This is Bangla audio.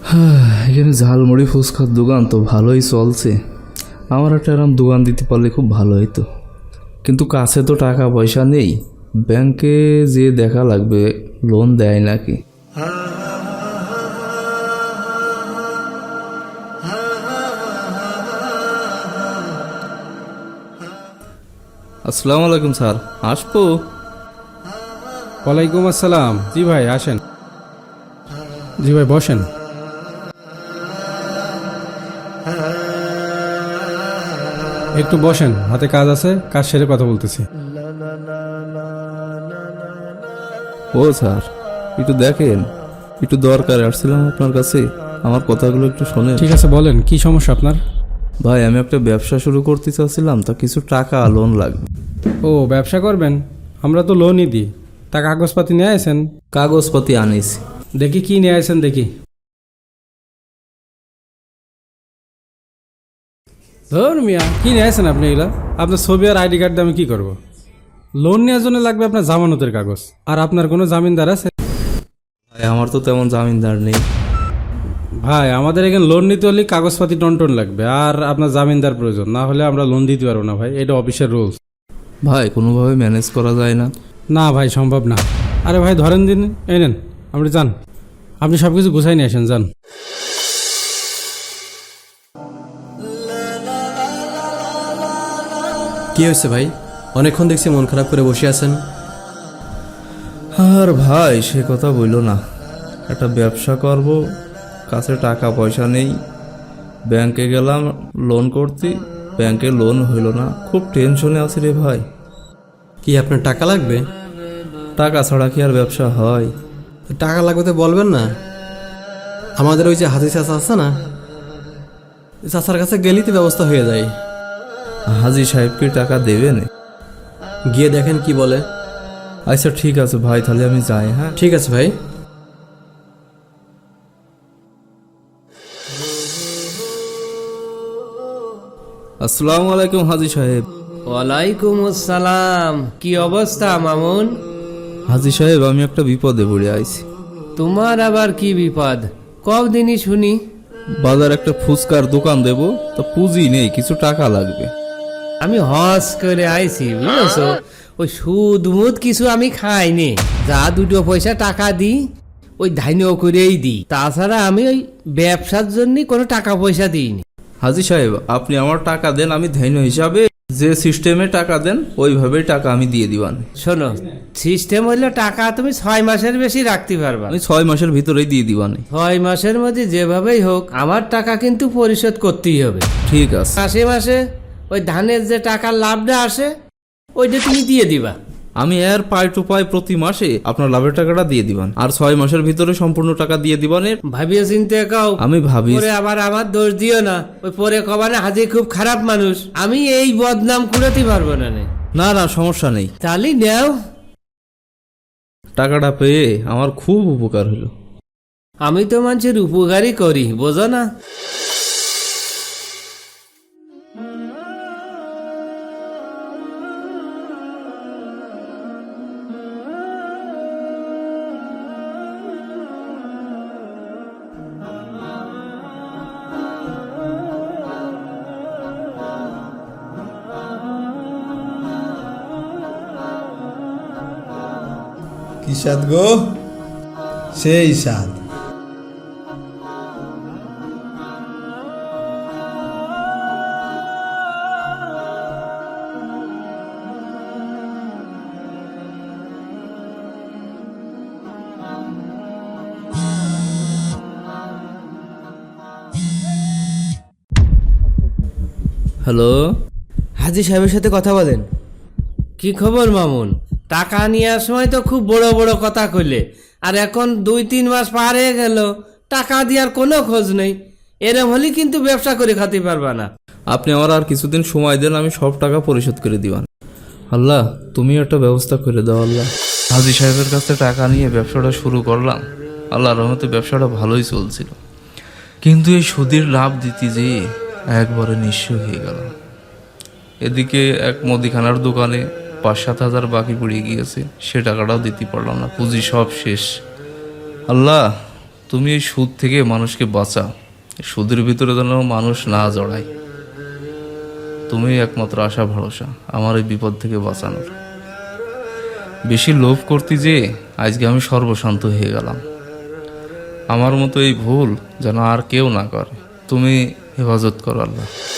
এখানে ঝালমুড়ি ফুচকার দোকান তো ভালোই চলছে। আমার একটা এরকম দোকান দিতে পারলে খুব ভালো হতো, কিন্তু কাছে তো টাকা পয়সা নেই। ব্যাংকে যে দেখা লাগবে লোন দেয় নাকি। আসসালামু আলাইকুম স্যার, আসবো? ওয়ালাইকুম আসসালাম। জি ভাই আসেন। জি ভাই বসেন। একটু বসেন, হাতে কাজ আছে, কাজ সেরে কথা বলতেছি। ও স্যার, একটু দেখেন, একটু দরকার আসছিলাম আপনার কাছে, আমার কথাগুলো একটু শোনেন। ঠিক আছে বলেন, কি সমস্যা আপনার? ভাই, আমি একটা ব্যবসা শুরু করতে চাচ্ছিলাম, তা কিছু টাকা লোন লাগবে। ও ব্যবসা করবেন? আমরা তো লোনই দিই। তা কাগজপাতি নিয়ে আসেন। কাগজপাতি আনিছি। দেখি কি নিয়ে আসেন দেখি। ধর মিয়া, কি নিয়ে আসেন আপনি এগুলা? আপনার ছবি আর আইডি কার্ড দিয়ে আমি কি করবো? লোন নেওয়ার জন্য লাগবে আপনার জামানতের কাগজ। আর আপনার কোনো জামিনদার আছে? ভাই, আমার তো তেমন জামিনদার নেই। ভাই আমাদের এখানে লোন নিতে হলে কাগজপাতি টনটন লাগবে, আর আপনার জামিনদার প্রয়োজন, না হলে আমরা লোন দিতে পারবো না ভাই, এটা অফিসের রুলস। ভাই, কোনোভাবে ম্যানেজ করা যায় না? না ভাই, সম্ভব না। আরে ভাই ধরেন দিন, এই নেন, আপনি যান, আপনি সব কিছু গুছাই নিয়ে আসেন, যান। কি হয়েছে ভাই? অনেকক্ষণ দেখছি মন খারাপ করে বসে আছেন। আর ভাই, সে কথা বইলো না। একটা ব্যবসা করব, কাছে টাকা পয়সা নেই। ব্যাংকে গেলাম লোন করতে, ব্যাংকে লোন হইল না। খুব টেনশনে আছি রে ভাই। কি আপনার টাকা লাগবে? টাকা ছাড়া কি আর ব্যবসা হয়? টাকা লাগবে তো বলবেন না। আমাদের ওই যে হাজি চাচা আছে না, চাচার কাছে গেলেই তো ব্যবস্থা হয়ে যায়। হাজি সাহেব কি টাকা দেবেন? গিয়ে দেখেন কি বলে। আচ্ছা ঠিক আছে ভাই, তাহলে আমি যাই। হ্যাঁ ঠিক আছে ভাই। আসসালামু আলাইকুম হাজি সাহেব। ওয়ালাইকুম আসসালাম। কি অবস্থা মামুন? হাজি সাহেব, আমি একটা বিপদে পড়ে আইছি। তোমার আবার কি বিপদ? কদিনই শুনি। বাজার একটা ফুচকার দোকান দেব, তা পুঁজি নেই, কিছু টাকা লাগবে। আমি হজ করে আইছি বুঝেছো, ওই সুদ মুদ কিছু আমি খাইনি। যা দুটো পয়সা টাকা দিই ওই ধান্য করেই দিই, তাছাড়া আমি ওই ব্যবসার জন্য কোনো টাকা পয়সা দিইনি। হাজি সাহেব, আপনি আমার টাকা দেন, আমি ধান্য হিসাবে যে সিস্টেমে টাকা দেন ওইভাবেই টাকা আমি দিয়ে দিবান। শোনো, সিস্টেম হইলো টাকা তুমি 6 মাসের বেশি রাখতে পারবা। আমি 6 মাসের ভিতরেই দিয়ে দিবান। 6 মাসের মধ্যে যেভাবেই হোক আমার টাকা কিন্তু পরিশোধ করতেই হবে। ঠিক আছে। মাসে মাসে ওই ধানের যে টাকার লাভটা আসে ওইটা তুমি দিয়ে দিবা। আমি এর পাই টু পাই প্রতি মাসে আপনার লাভের টাকাটা দিয়ে দিবান, আর 6 মাসের ভিতরে সম্পূর্ণ টাকা দিয়ে দিবানের। ভাবিয়ে চিনতে কাও। আমি ভাবি। পরে আবার আমার দোষ দিও না, ওই পরে কবানে হাজি খুব খারাপ মানুষ, আমি এই বদনাম কুড়াতে পারবো না। না না, সমস্যা নেই। তাহলে নেও। টাকাটা পেয়ে আমার খুব উপকার হলো। আমি তো মানুষের উপকারই করি, বোঝো না? কি স্বাদ গো, সেই স্বাদ। হ্যালো। হাজি সাহেবের সাথে কথা বলেন। কি খবর মামুন? টাকা নেওয়ার সময় তো খুব বড় বড় কথা কইলে, আর এখন 2-3 মাস পার হয়ে গেল, টাকা দেওয়ার কোনো খোঁজ নেই। এরম হলে কিন্তু ব্যবসা করে খাতে পারবা না। আপনি আমার আর কিছুদিন সময় দেন, আমি সব টাকা পরিশোধ করে দিবান। আল্লাহ, তুমি একটা ব্যবস্থা করে দাও আল্লাহ। হাজি সাহেবের কাছে টাকা নিয়ে ব্যবসাটা শুরু করলাম, আল্লাহর রহমতে ব্যবসাটা ভালোই চলছিল, কিন্তু এই সুদের লাভ দিতে যেয়ে একবারে নিঃস্ব হয়ে গেল। এদিকে এক মুদিখানার দোকানে 5-7 হাজার বাকি পড়ে গিয়েছে, সে টাকাটাও দিতে পারলাম না, পুঁজি সব শেষ। আল্লাহ, তুমি এই সুদ থেকে মানুষকে বাঁচাও, এই সুদের ভিতরে যেন মানুষ না জড়ায়। তুমি একমাত্র আশা ভরসা আমার এই বিপদ থেকে বাঁচানোর। বেশি লোভ করতে যে আজকে আমি সর্বশান্ত হয়ে গেলাম। আমার মতো এই ভুল যেন আর কেউ না করে। তুমি হেফাজত করো আল্লাহ।